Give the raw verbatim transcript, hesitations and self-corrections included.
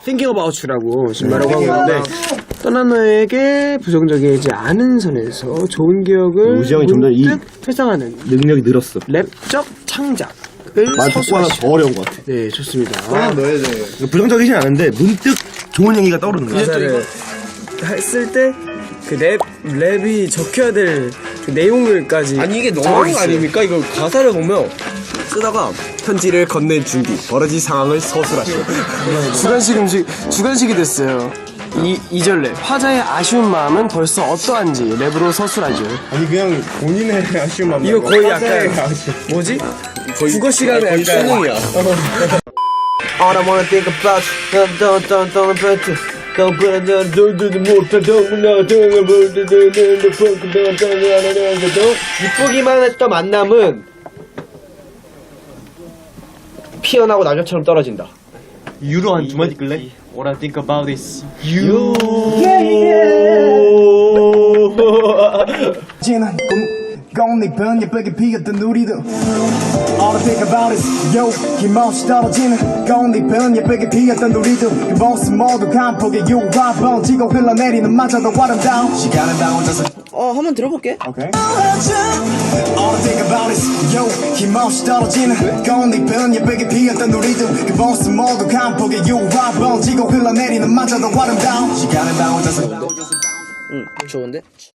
Thinking About You라고 지금 말하고 한 건데 떠난 너에게 부정적이지 않은 선에서 좋은 기억을 우지 형이 좀 더 이 회상하는 능력이 늘었어. 랩적 창작을 말 듣고 하나 서술하시 더 어려운 것 같아. 네, 좋습니다. 떠난 너에 대해. 부정적이진 않은데 문득 좋은 얘기가 떠오르는 거야. 가사를 했을 때 그 랩, 랩이 적혀야 될 그 내용을까지 아니 이게 너무한 거 아닙니까? 이거 가사를 보면 쓰다가 편지를 건넨 준비 벌어진 상황을 서술하시오. 주관식 음식 주관식이 됐어요. 이, 이 절 랩 화자의 아쉬운 마음은 벌써 어떠한지 랩으로 서술하죠. 아니 그냥 본인의 아쉬운 마음. 이거 거의 약간 뭐지? 국어 시간에 거의 약간 수능이야. All I wanna think about you don't don't don't don't don't Don't put it down, don't do the move, don't do the don't do the funk, don't do the 이쁘기만 했던 만남은 피어나고 낙엽처럼 떨어진다. 유로 한 두 마디 끌래? What I think about is You. 지난 꽃잎은 예쁘게 피었던 우리도 All I think about is yo 힘없이 떨어지는 꽃잎은 예쁘게 피었던 우리도 그 모습 모두 간폭의 유화 번지고 흘러내리는 마저도 아름다운 시간은 다 혼자서 어, 한번 들어볼게. Okay. All I think about is yo 힘없이 떨어지는 꽃잎은 예쁘게 피었던 우리도 그 모습 모두 간폭의 유화 번지고 흘러내리는 마저도 아름다운 시간은 다 혼자서 응, 좋은데?